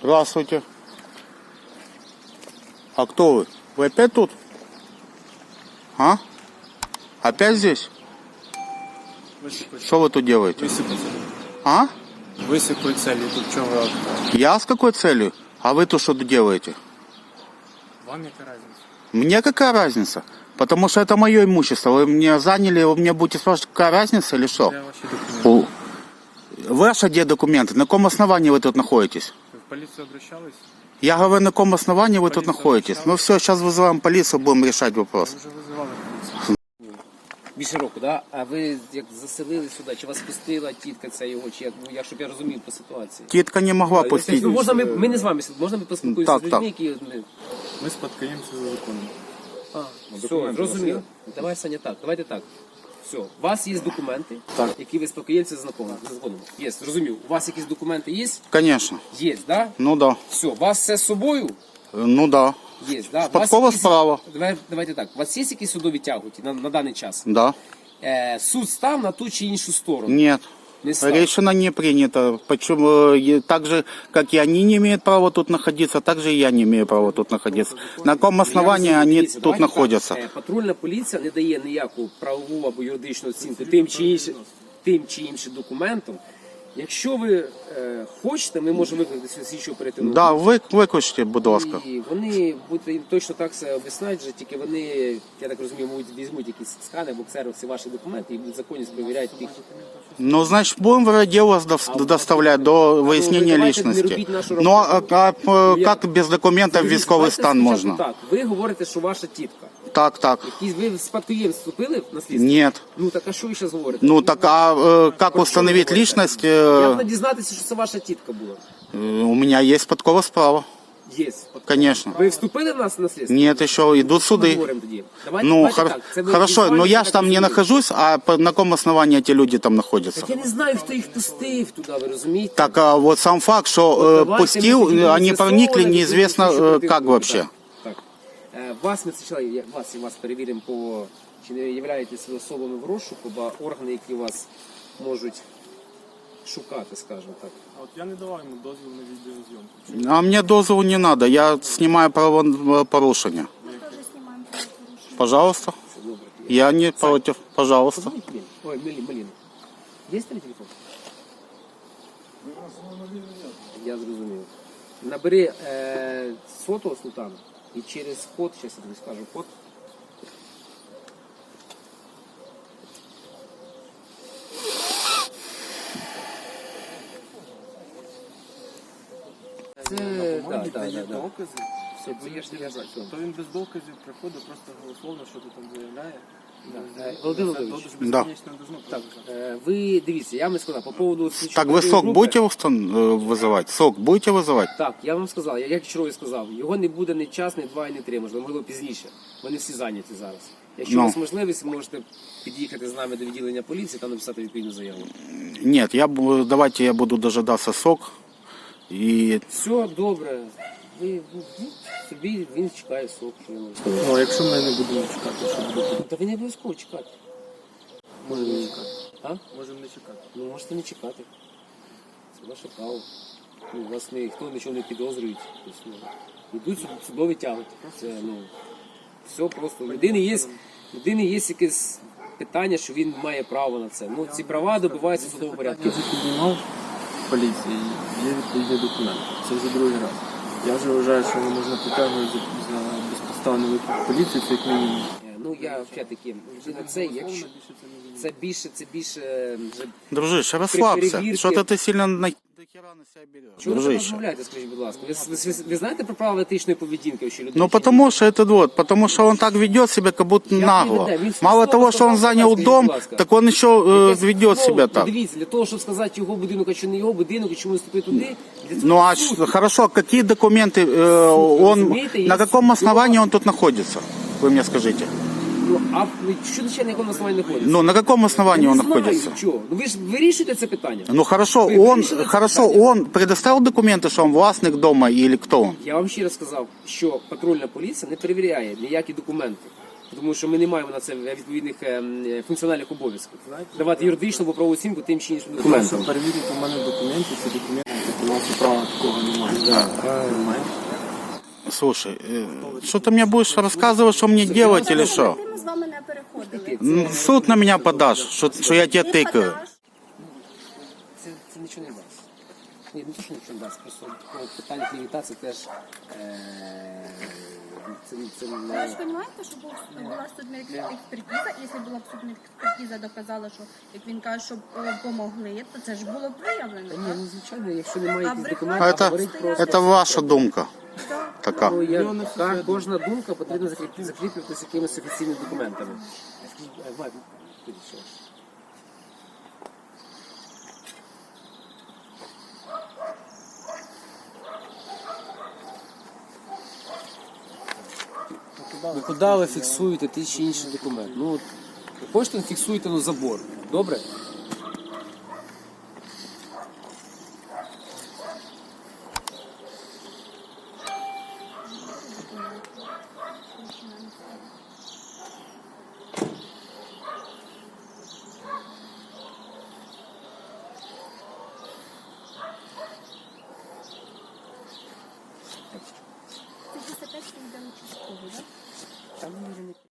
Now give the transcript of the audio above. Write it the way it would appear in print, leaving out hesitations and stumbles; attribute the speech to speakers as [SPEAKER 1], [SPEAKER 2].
[SPEAKER 1] Здравствуйте. А кто вы? Вы опять тут? А? Опять здесь? Что вы тут делаете?
[SPEAKER 2] Высыпать.
[SPEAKER 1] А?
[SPEAKER 2] Высыпать цели. Тут что вы...
[SPEAKER 1] Я с какой целью? А вы тут что тут делаете?
[SPEAKER 2] Вам яка разница?
[SPEAKER 1] Мне какая разница? Потому что это мое имущество. Вы мне заняли, вы мне будете спрашивать, какая разница или что?
[SPEAKER 2] Я ваши документы.
[SPEAKER 1] Ваши где документы? На каком основании вы тут находитесь?
[SPEAKER 2] Вы в полицию обращались?
[SPEAKER 1] Я говорю, на каком основании вы тут
[SPEAKER 2] Полицию
[SPEAKER 1] находитесь?
[SPEAKER 2] обращалась?
[SPEAKER 1] Ну все, сейчас вызываем полицию, будем решать вопрос.
[SPEAKER 2] Ви вже визивали поліцію.
[SPEAKER 3] Більше року, да? А ви як заселили сюди, чи вас пустила тітка ця його, чи як, ну, щоб я розумів по ситуації?
[SPEAKER 1] Тітка не могла пустить.
[SPEAKER 3] Ну, можна ми не з вами, можна ми поспілкуємося
[SPEAKER 1] Так,
[SPEAKER 3] з людьми,
[SPEAKER 1] так.
[SPEAKER 3] які...
[SPEAKER 2] Ми спадкоємося за законом.
[SPEAKER 3] Все, зрозуміло. Давай, Саня, так, давайте так. Все, у вас є документи,
[SPEAKER 2] Так.
[SPEAKER 3] які ви спадкоємці за законом. Є, зрозумів. У вас якісь документи є?
[SPEAKER 1] Конечно.
[SPEAKER 3] Є, да?
[SPEAKER 1] Ну да.
[SPEAKER 3] Все, у вас все з собою?
[SPEAKER 1] Ну да.
[SPEAKER 3] Є, да? У вас
[SPEAKER 1] Спадкова
[SPEAKER 3] якісь-
[SPEAKER 1] справа.
[SPEAKER 3] Давайте так, у вас є якісь судові тяготі на даний час?
[SPEAKER 1] Да.
[SPEAKER 3] Суд став на ту чи іншу сторону?
[SPEAKER 1] Нет.
[SPEAKER 3] Не став.
[SPEAKER 1] Решено не принято. Почему? Так же, как и они не имеют права тут находиться, так же и я не имею права тут находиться. На каком основании
[SPEAKER 3] Я
[SPEAKER 1] они
[SPEAKER 3] дивіться,
[SPEAKER 1] тут
[SPEAKER 3] давайте
[SPEAKER 1] находятся?
[SPEAKER 3] так, патрульна поліція не дає ніяку правову або юридичну оцінку тим чи іншим документом. Якщо ви хочете, ми можемо викликати слідчу оперативну
[SPEAKER 1] Да,
[SPEAKER 3] групу.
[SPEAKER 1] викличте, будь ласка.
[SPEAKER 3] І вони будуть їм точно так все об'яснять, що тільки вони, я так розумію, візьмуть якісь скани або ксерокси ваші документи і будуть законність перевіряти тих.
[SPEAKER 1] Ну, значит, будем в дело доставлять до выяснения
[SPEAKER 3] давайте не
[SPEAKER 1] личности.
[SPEAKER 3] робіть нашу
[SPEAKER 1] Ну, а
[SPEAKER 3] роботу.
[SPEAKER 1] как без документов
[SPEAKER 3] Дивіться,
[SPEAKER 1] військовий
[SPEAKER 3] давайте
[SPEAKER 1] стан
[SPEAKER 3] спочатку
[SPEAKER 1] можно?
[SPEAKER 3] Так, ви говорите, що ваша тітка.
[SPEAKER 1] Так.
[SPEAKER 3] Ви в спадкоємство вступили в наслідство?
[SPEAKER 1] Нет.
[SPEAKER 3] Ну так а що ви зараз говорите?
[SPEAKER 1] Ну, так, как установить личность?
[SPEAKER 3] Як не дізнатися, що це ваша тітка була?
[SPEAKER 1] У меня есть подкова справа.
[SPEAKER 3] Є.
[SPEAKER 1] Конечно.
[SPEAKER 3] Ви вступили в нас в наслідство?
[SPEAKER 1] Нет, еще идут
[SPEAKER 3] Ми
[SPEAKER 1] суды.
[SPEAKER 3] говоримо тоді. Давайте,
[SPEAKER 1] Ну,
[SPEAKER 3] давайте так. Це ви
[SPEAKER 1] хорошо,
[SPEAKER 3] візуально
[SPEAKER 1] но я
[SPEAKER 3] так
[SPEAKER 1] ж там не
[SPEAKER 3] розумієте.
[SPEAKER 1] нахожусь, а на каком основании эти люди там находятся?
[SPEAKER 3] Так я не знаю, хто їх пустив туди, ви розумієте?
[SPEAKER 1] Так, а вот сам факт, что
[SPEAKER 3] Давайте
[SPEAKER 1] пустил,
[SPEAKER 3] ми тоді
[SPEAKER 1] они проникли
[SPEAKER 3] з'ясовувати,
[SPEAKER 1] неизвестно
[SPEAKER 3] тоді слідчу
[SPEAKER 1] как
[SPEAKER 3] оперативну
[SPEAKER 1] вообще.
[SPEAKER 3] групу. Так. Вас ми спочатку, вас перевіримо по, чи не являєтесь ви особами в розшуку, бо органи, які вас можуть шукати, скажімо так.
[SPEAKER 2] А от я не давав йому дозвіл на відеозйомку.
[SPEAKER 1] А мне дозу не надо, я снимаю правопорушення. Пожалуйста.
[SPEAKER 3] Це добре.
[SPEAKER 1] Я не против, пожалуйста.
[SPEAKER 3] Позвоніть мені. Ой, Мелін. Є твій телефон? Я зрозумів. Набери сотого Султана і через код, зараз я тобі скажу код. Це, так.
[SPEAKER 2] Докази.
[SPEAKER 3] Все, це я ж
[SPEAKER 2] То він без доказів приходить, просто голословно, що ти там заявляє.
[SPEAKER 3] Володимир Володимирович,
[SPEAKER 1] Да.
[SPEAKER 3] так, ви дивіться, я вам сказав по поводу...
[SPEAKER 1] Так, вы сок будете вызывать? Сок будете вызывать?
[SPEAKER 3] Так, я вам сказав, я як вчора сказав, його не буде ні час, ні два, ні три, можливо пізніше. Вони всі зайняті зараз. Якщо у вас можливість, ви можете під'їхати з нами до відділення поліції та написати відповідну заяву.
[SPEAKER 1] Нет, давайте я буду дожидаться сок. И
[SPEAKER 3] Все добре. Ви собі, він чекає сок, що я можу сказати.
[SPEAKER 2] Ну, а якщо ми не будемо чекати, що буде?
[SPEAKER 3] Та ви не обов'язково чекати.
[SPEAKER 2] Можемо не чекати.
[SPEAKER 3] А?
[SPEAKER 2] Можемо не чекати.
[SPEAKER 3] Ну, можете не чекати. Це ваше право. Ну, вас ніхто нічого не підозрює. Тобто, ну, йдуть судові тяготи. Це, ну, все просто. У людини є якесь питання, що він має право на це. Ну, ці права добиваються в судовому порядку.
[SPEAKER 2] Я вже піднімав в поліції, є відповідні документи. Це вже другий раз. Я вже вважаю, що не можна притягувати за безпідставний виклик поліції, це як мінімум.
[SPEAKER 3] Ну, я все-таки, це, якщо, це більше, вже
[SPEAKER 1] дружище, расслабься.
[SPEAKER 3] перевірки.
[SPEAKER 1] Что-то ты сильно на хера на себя берешь.
[SPEAKER 3] чого ви
[SPEAKER 1] Дружище.
[SPEAKER 3] розмовляєте, скажіть, будь ласка? Ви знаєте про правила етичної поведінки, що людина?
[SPEAKER 1] Ну потому что он так ведет себя, как будто нагло.
[SPEAKER 3] веде? Він
[SPEAKER 1] Мало
[SPEAKER 3] слово
[SPEAKER 1] того, что он
[SPEAKER 3] сказав,
[SPEAKER 1] занял
[SPEAKER 3] скажіть,
[SPEAKER 1] дом,
[SPEAKER 3] будь ласка.
[SPEAKER 1] так он еще ведет себя так.
[SPEAKER 3] Дивіться, для того, щоб сказати його будинок, а чи не його будинок, і чому вступити туди, для цього
[SPEAKER 1] Ну а
[SPEAKER 3] суд.
[SPEAKER 1] хорошо, какие документы он,
[SPEAKER 3] разумеете,
[SPEAKER 1] на
[SPEAKER 3] есть
[SPEAKER 1] каком основании он тут находится? Вы мне скажите.
[SPEAKER 3] Ну, а що на якому основанні знаходиться?
[SPEAKER 1] Ну на каком основании он
[SPEAKER 3] не знаю,
[SPEAKER 1] находится?
[SPEAKER 3] чого. Ну ви ж вирішуєте це питання.
[SPEAKER 1] Ну хорошо,
[SPEAKER 3] Вы
[SPEAKER 1] он
[SPEAKER 3] решили это
[SPEAKER 1] хорошо,
[SPEAKER 3] питание?
[SPEAKER 1] он предоставил документы, что он властник дома или кто он?
[SPEAKER 3] Я вам ще раз сказав, що патрульна поліція не перевіряє ніякі документи. Тому що ми не маємо на це відповідних функціональних обов'язків. Давати юридичну або правову оцінку тим чи іншим
[SPEAKER 2] Щоб
[SPEAKER 3] документам.
[SPEAKER 2] перевірити у мене документи, ці документи, у нас права такого немає. Нормально.
[SPEAKER 1] Слушай, что ты мне будешь рассказывать, что мне делать или что?
[SPEAKER 4] Ми з вами не переходили.
[SPEAKER 1] В суд на меня подашь, что я тебе
[SPEAKER 4] Ти
[SPEAKER 1] тыкаю.
[SPEAKER 4] подаш.
[SPEAKER 3] Це нічого не дасть. Ні, не то, що нічого не дасть. Просто такого питання клівета це теж це
[SPEAKER 4] Ви ж
[SPEAKER 3] не...
[SPEAKER 4] розумієте, що була судна експертиза, якщо була б судна експертиза доказала, що, як він каже, що помогли, то це ж було б виявлено.
[SPEAKER 3] Ні,
[SPEAKER 4] так?
[SPEAKER 3] ну звичайно, якщо немає
[SPEAKER 4] А
[SPEAKER 3] якихось
[SPEAKER 4] брехати
[SPEAKER 3] документів,
[SPEAKER 1] Это,
[SPEAKER 3] говорить просто...
[SPEAKER 1] это ваша думка така.
[SPEAKER 3] Ну, кожна думка потрібно закріплюватися якимись офіційними документами. Вадь, підійди, що? Ви куди ви фіксуєте ті чи інші документи? Ну, от, ви хочете, фіксуєте на забор. Добре?
[SPEAKER 4] Це 55 йде участковий, так?
[SPEAKER 3] Там